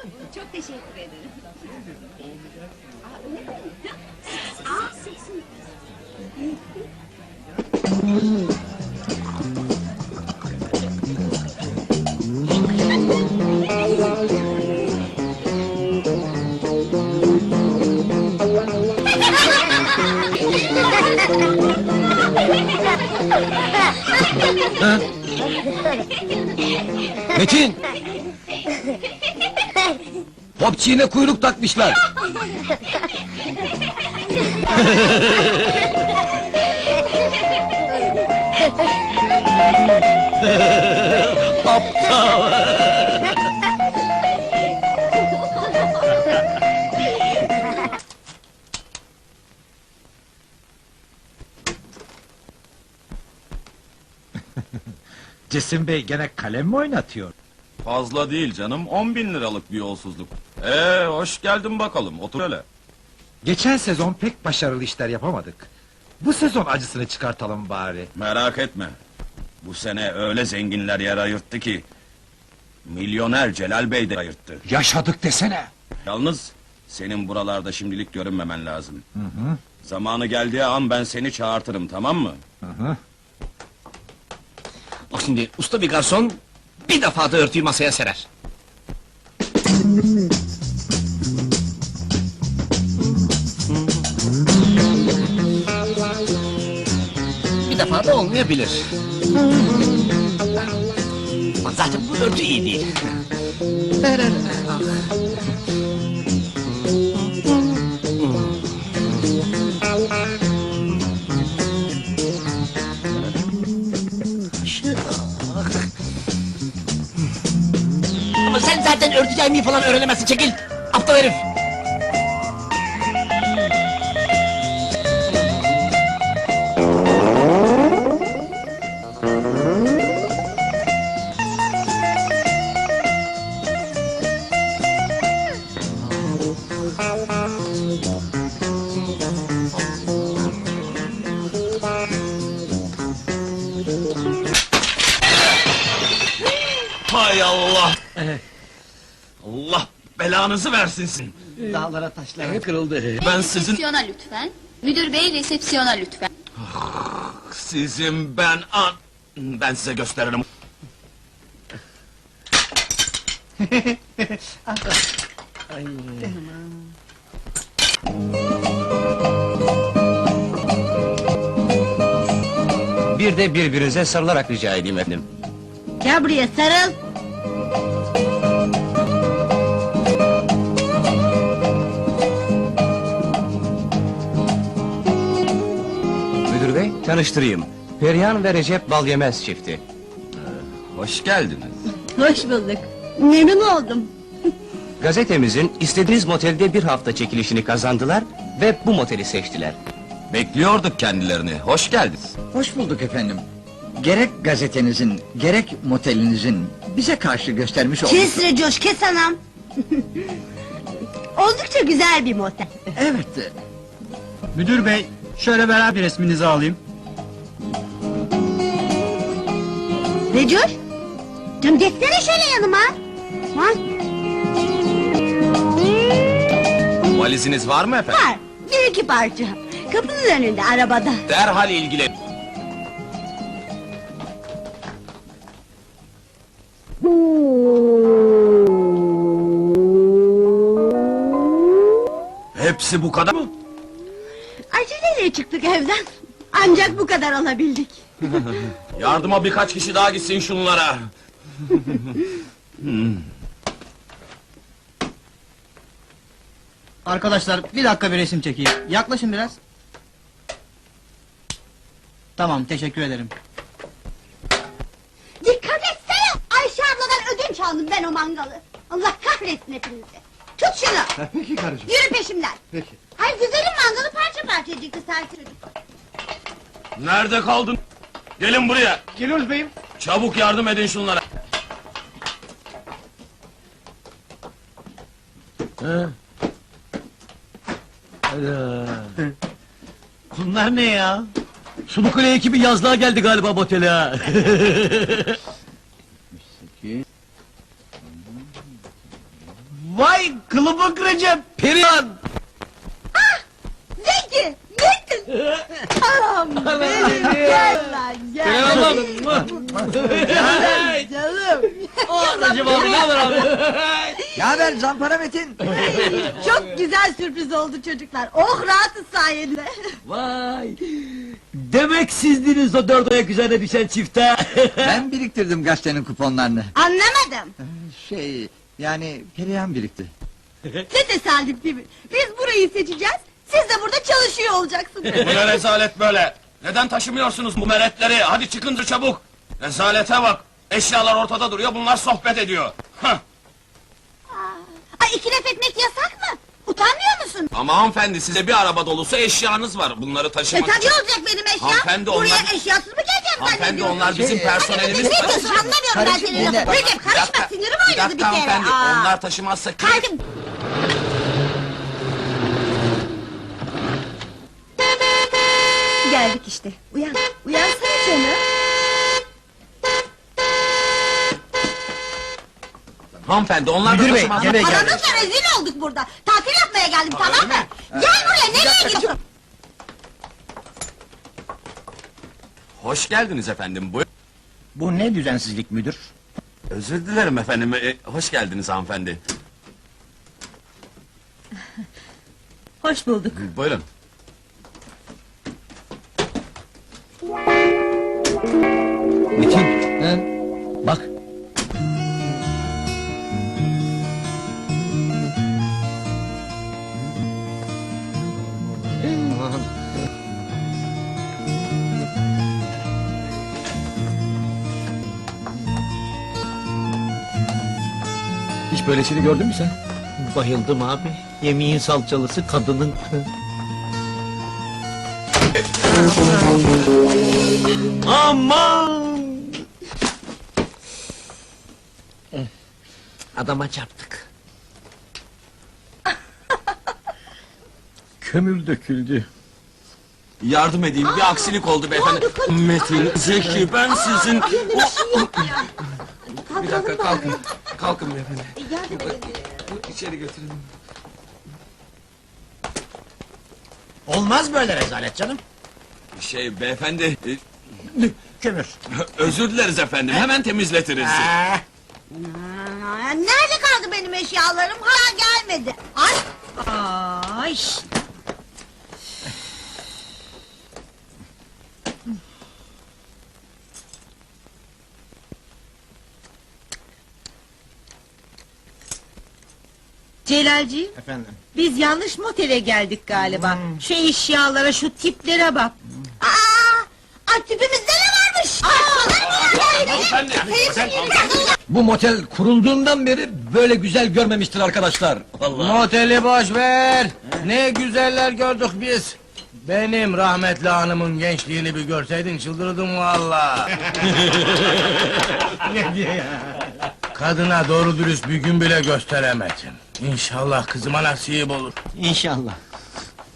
Çok teşekkür ederim. Öyle mi? Sesin. Metin! Popçiğine kuyruk takmışlar! Aptal! Cesim Bey gene kalem mi oynatıyor? Fazla değil canım, 10.000 liralık bir yolsuzluk. Hoş geldin bakalım, otur hele. Geçen sezon pek başarılı işler yapamadık. Bu sezon acısını çıkartalım bari. Merak etme. Bu sene öyle zenginler yer ayırttı ki... ...milyoner Celal Bey de ayırttı. Yaşadık desene! Yalnız, senin buralarda şimdilik görünmemen lazım. Zamanı geldiği an ben seni çağırtırım, tamam mı? Bak şimdi, usta bir garson... ...bir defa da örtüyü masaya serer. Bir defa da olmayabilir. Ama zaten bu örtü iyi değil. Ama sen zaten örtü yaymayı falan öğrenemezsin, çekil! Aptal herif! Hay Allah! Allah belanızı versin sizin! Dağlara taşlara kırıldı. Ben sizin... Resepsiyona lütfen. Müdür bey resepsiyona lütfen. Sizin ben size gösteririm. Bir de birbirinize sarılarak rica edeyim efendim. Gel buraya sarıl. Müdür bey, tanıştırayım. Perihan ve Recep Balyemez çifti. Hoş geldiniz. Hoş bulduk. Memnun oldum. Gazetemizin istediğiniz motelde bir hafta çekilişini kazandılar ve bu moteli seçtiler. Bekliyorduk kendilerini, hoş geldiniz. Hoş bulduk efendim. Gerek gazetenizin, gerek motelinizin bize karşı göstermiş olduğu... Kes Recoş, kes anam. Oldukça güzel bir motel. Evet, Müdür bey, şöyle beraber resminizi alayım. Recoş, canım geçsene şöyle yanıma. Ha? Valiziniz var mı efendim? Var, bir iki parça. Kapının önünde, arabada. Derhal ilgilen. Hepsi bu kadar mı? Aceleyle çıktık evden. Ancak bu kadar alabildik. Yardıma birkaç kişi daha gitsin şunlara. Arkadaşlar, bir dakika bir resim çekeyim. Yaklaşın biraz. Tamam, teşekkür ederim. Dikkat etsene! Ayşe abladan ödünç aldım ben o mangalı. Allah kahretsin hepinizi. Tut şunu! peki karıcığım. Yürü peşimden! Peki. Hayır güzelim mangalı parça parça yiyecekti sanki çocuk. Nerede kaldın? Gelin buraya. Geliyoruz beyim. Çabuk yardım edin şunlara. Bunlar ne ya? Sulukule ekibi yazlığa geldi galiba motele ha. Vay kılıbık Recep, Perihan! Zeki! Zeki! Anam benim, gel lan gel! Hey! Canım! Recep abi ne haber abi? Ne haber Zampara Metin? Çok güzel sürpriz oldu çocuklar. Oh rahatız sayende. Vay! Demek sizdiniz o dört ayak üzerine düşen çifte. Ben biriktirdim gazetenin kuponlarını. Anlamadım. Yani Perihan birikti. Ne tesadüf değil mi? Biz burayı seçeceğiz. Siz de burada çalışıyor olacaksınız. Bu ne rezalet böyle? Neden taşımıyorsunuz bu meretleri? Hadi çıkın çabuk! Rezalete bak! Eşyalar ortada duruyor, bunlar sohbet ediyor. Hah! Ay iki laf etmek yasak mı? Utanmıyor musun? Ama hanımefendi, size bir araba dolusu eşyanız var. Bunları taşımak Tabii için... olacak benim eşya. Hanımefendi, Buraya onlar- eşyasız mı geleceğim Hanımefendi, zannediyorsun? onlar bizim personelimiz. Hadi ne diyorsun anlamıyorum ben Karışık senin dinle. lafını. Recep karışma sinirim oynadı bir kere. hanımefendi, Aa. onlar taşımazsa... Kaldım. Geldik işte. Uyan. Uyansana canım. Hanımefendi, onlar Müdür da bey, taşımaz. gene geldi. Paranızla rezil olduk burada. Tatil yapmaya geldim tamam mı? Gel buraya nereye gidiyorsun? Hoş geldiniz efendim, buyurun. Bu ne düzensizlik müdür? Özür dilerim efendim, hoş geldiniz hanımefendi. Hoş bulduk. Buyurun. Metin, bak. Hiç böylesini gördün mü sen? Bayıldım abi. Yemeğin salçalısı kadının. Aman! Adama çarptık. Kömür döküldü. Yardım edeyim, bir aksilik oldu beyefendi. Metin, Zeki, ben sizin... Bir dakika, kalkın. Kalkın beyefendi. İçeri götürelim. Olmaz böyle rezalet canım. Beyefendi, Kömür. özür dileriz efendim, hemen temizletiriz. Nerede kaldı benim eşyalarım? Hala gelmedi. Ay. Ay. Celalciğim, Efendim. biz yanlış motele geldik galiba. Şu eşyalara, şu tiplere bak. Ay tipimizde ne varmış? Hanımefendi, Bu motel kurulduğundan beri böyle güzel görmemiştir arkadaşlar. Moteli boş ver. Ne güzeller gördük biz. Benim rahmetli hanımın gençliğini bir görseydin çıldırdım valla. Ne diye ya? Kadına doğru dürüst bir gün bile gösteremedim. İnşallah kızıma nasip olur. İnşallah.